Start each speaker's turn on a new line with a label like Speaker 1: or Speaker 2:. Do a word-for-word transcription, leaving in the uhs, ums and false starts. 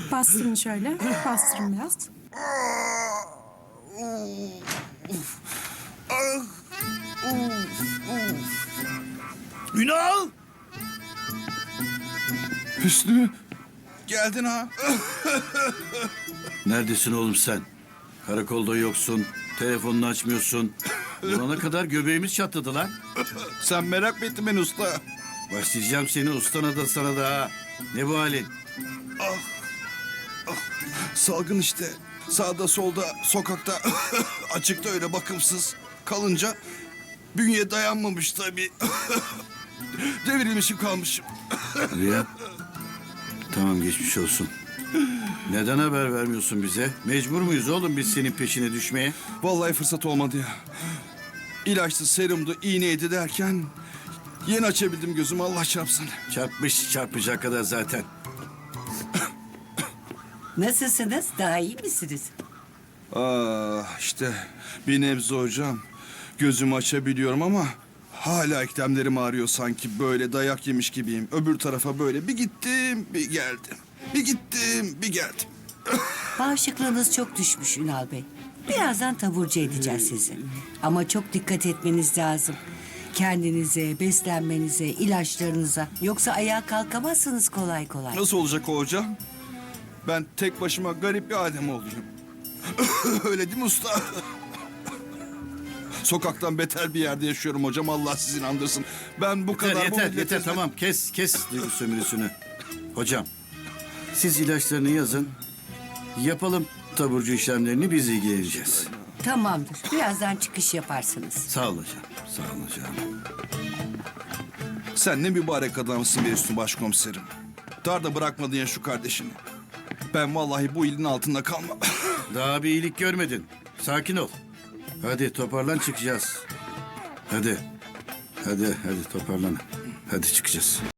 Speaker 1: Bastırın şöyle. Bastırın biraz.
Speaker 2: Ünal!
Speaker 3: Hüsnü.
Speaker 2: Geldin ha.
Speaker 4: Neredesin oğlum sen? Karakolda yoksun, telefonunu açmıyorsun. Bulana kadar göbeğimiz çatladı lan.
Speaker 2: Sen merak mı ettin beni usta?
Speaker 4: Başlayacağım seni ustana da sana da ha. Ne bu halin?
Speaker 2: Salgın işte. Sağda solda sokakta açıkta öyle bakımsız kalınca bünye dayanmamış tabii. Devrilmişim kalmışım.
Speaker 4: Hadi ya. Tamam geçmiş olsun. Neden haber vermiyorsun bize? Mecbur muyuz oğlum biz senin peşine düşmeye?
Speaker 2: Vallahi fırsat olmadı ya. İlaçtı, serumdu, iğneydi derken yeni açabildim gözümü Allah çarpsın.
Speaker 4: Çarpmış çarpacak kadar zaten.
Speaker 5: Nasılsınız? Daha iyi misiniz?
Speaker 2: Ah işte bir nebze hocam. Gözümü açabiliyorum ama hala eklemlerim ağrıyor sanki böyle dayak yemiş gibiyim. Öbür tarafa böyle bir gittim bir geldim. Bir gittim bir geldim.
Speaker 5: Bağışıklığınız çok düşmüş Ünal Bey. Birazdan taburcu edeceğiz sizi. Ama çok dikkat etmeniz lazım. Kendinize, beslenmenize, ilaçlarınıza. Yoksa ayağa kalkamazsınız kolay kolay.
Speaker 2: Nasıl olacak o hocam? Ben tek başıma garip bir adem olayım. Öyle değil mi usta? Sokaktan beter bir yerde yaşıyorum hocam. Allah sizi inandırsın. Ben bu
Speaker 4: Yeter
Speaker 2: kadar... bu
Speaker 4: yeter
Speaker 2: millete
Speaker 4: yeter
Speaker 2: hizmet-
Speaker 4: tamam kes kes duygu sömürüsünü. Hocam siz ilaçlarını yazın. Yapalım taburcu işlemlerini biz ilgileneceğiz.
Speaker 5: Tamamdır. Birazdan çıkış yaparsınız.
Speaker 4: Sağ ol hocam. Sağ ol hocam.
Speaker 2: Sen ne mübarek adamsın be Üstü Başkomiserim. Darda bırakmadın ya şu kardeşini. Ben vallahi bu ilin altında kalmam.
Speaker 4: Daha bir iyilik görmedin. Sakin ol. Hadi toparlan çıkacağız. Hadi. Hadi hadi toparlan. Hadi çıkacağız.